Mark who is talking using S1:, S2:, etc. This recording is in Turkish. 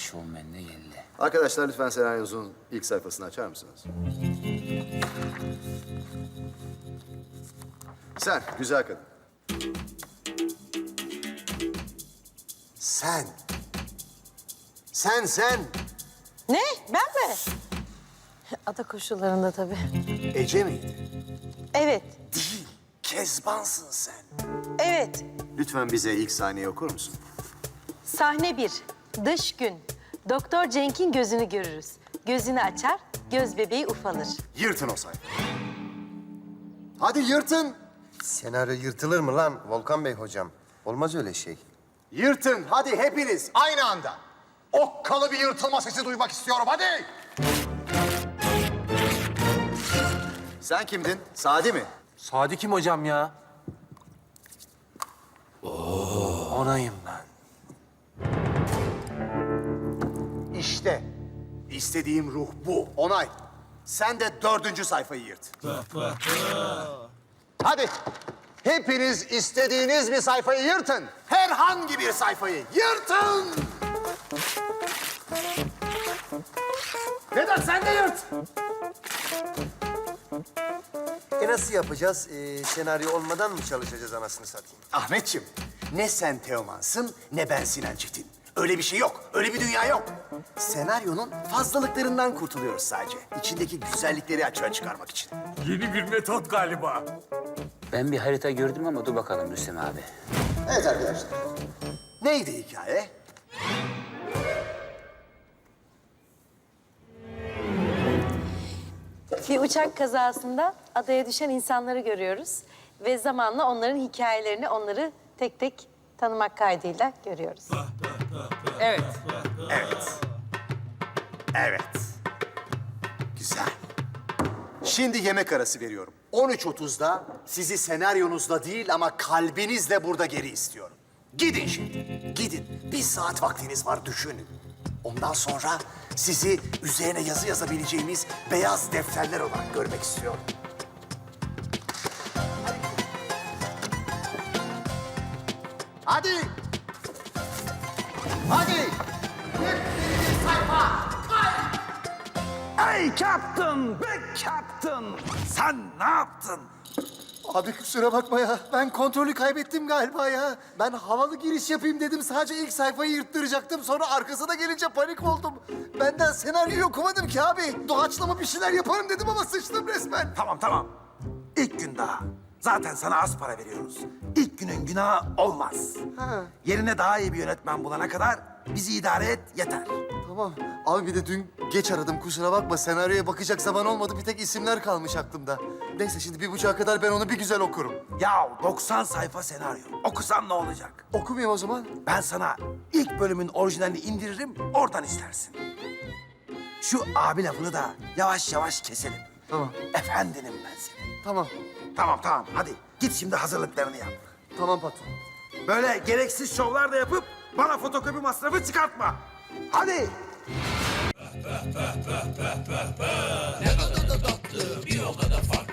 S1: şovmen de geldi.
S2: Arkadaşlar lütfen senaryonuzun ilk sayfasını açar mısınız? Sen, güzel kadın. Sen. Sen.
S3: Ne? Ben mi? Ada koşullarında tabii.
S2: Ece miydi?
S3: Evet,
S2: Değil. Kezbansın sen.
S3: evet.
S2: Lütfen bize ilk sahneyi okur musun?
S3: Sahne 1. Dış gün. Doktor Cenk'in gözünü görürüz. Gözünü açar, göz bebeği ufalır.
S2: Yırtın o sayfayı. Hadi yırtın.
S4: Senaryo yırtılır mı lan Volkan Bey hocam? Olmaz öyle şey.
S2: Yırtın. Hadi hepiniz aynı anda. Okkalı bir yırtılma sesi duymak istiyorum. Hadi. Sen kimdin? Sadi mi?
S5: Sadi kim hocam ya? Onayım ben.
S2: İşte. İstediğim ruh bu. Onay. Sen de 4. sayfayı yırt. Hadi. Hepiniz istediğiniz bir sayfayı yırtın. Herhangi bir sayfayı yırtın. Vedat sen de yırt.
S4: Nasıl yapacağız? Senaryo olmadan mı çalışacağız anasını satayım?
S2: Ahmetciğim, ne sen Teoman'sın ne ben Sinan Çetin. Öyle bir şey yok, öyle bir dünya yok. Senaryonun fazlalıklarından kurtuluyoruz sadece. İçindeki güzellikleri açığa çıkarmak için.
S5: Yeni bir metot galiba.
S1: Ben bir harita gördüm ama dur bakalım Rüstem abi.
S2: Evet arkadaşlar. Neydi hikaye?
S3: Bir uçak kazasında adaya düşen insanları görüyoruz. Ve zamanla onların hikayelerini, onları tek tek tanımak kaydıyla görüyoruz.
S1: Evet.
S2: Evet. Güzel. Şimdi yemek arası veriyorum. 13.30'da sizi senaryonuzla değil ama kalbinizle burada geri istiyorum. Gidin şimdi. Gidin. 1 saat vaktiniz var, düşünün. Ondan sonra sizi üzerine yazı yazabileceğimiz beyaz defterler olarak görmek istiyorum. Hadi. Hadi. Yepyeni sayfa.
S5: Ey Captain, be Captain! Sen ne yaptın?
S2: Abi kusura bakma ya. Ben kontrolü kaybettim galiba ya. Ben havalı giriş yapayım dedim. Sadece ilk sayfayı yırttıracaktım. Sonra arkasına gelince panik oldum. Benden senaryoyu okumadım ki abi. Doğaçlama bir şeyler yaparım dedim ama sıçtım resmen.
S6: Tamam. İlk gün daha. Zaten sana az para veriyoruz. İlk günün günahı olmaz. Yerine daha iyi bir yönetmen bulana kadar bizi idare et yeter.
S2: Tamam. Abi bir de dün geç aradım. Kusura bakma. Senaryoya bakacak zaman olmadı. Bir tek isimler kalmış aklımda. Neyse şimdi 1.30'a kadar ben onu bir güzel okurum.
S6: Ya 90 sayfa senaryo. Okusan ne olacak?
S2: Okumayayım o zaman.
S6: Ben sana ilk bölümün orijinalini indiririm, oradan istersin. Şu abi lafını da yavaş yavaş keselim.
S2: Tamam.
S6: Efendinim ben senin.
S2: Tamam.
S6: Tamam. Hadi git şimdi hazırlıklarını yap.
S2: Tamam patron.
S6: Böyle gereksiz şovlar da yapıp bana fotokopi masrafı çıkartma. Hadi.
S7: Ne kadar da tatlı, bir o kadar farklı.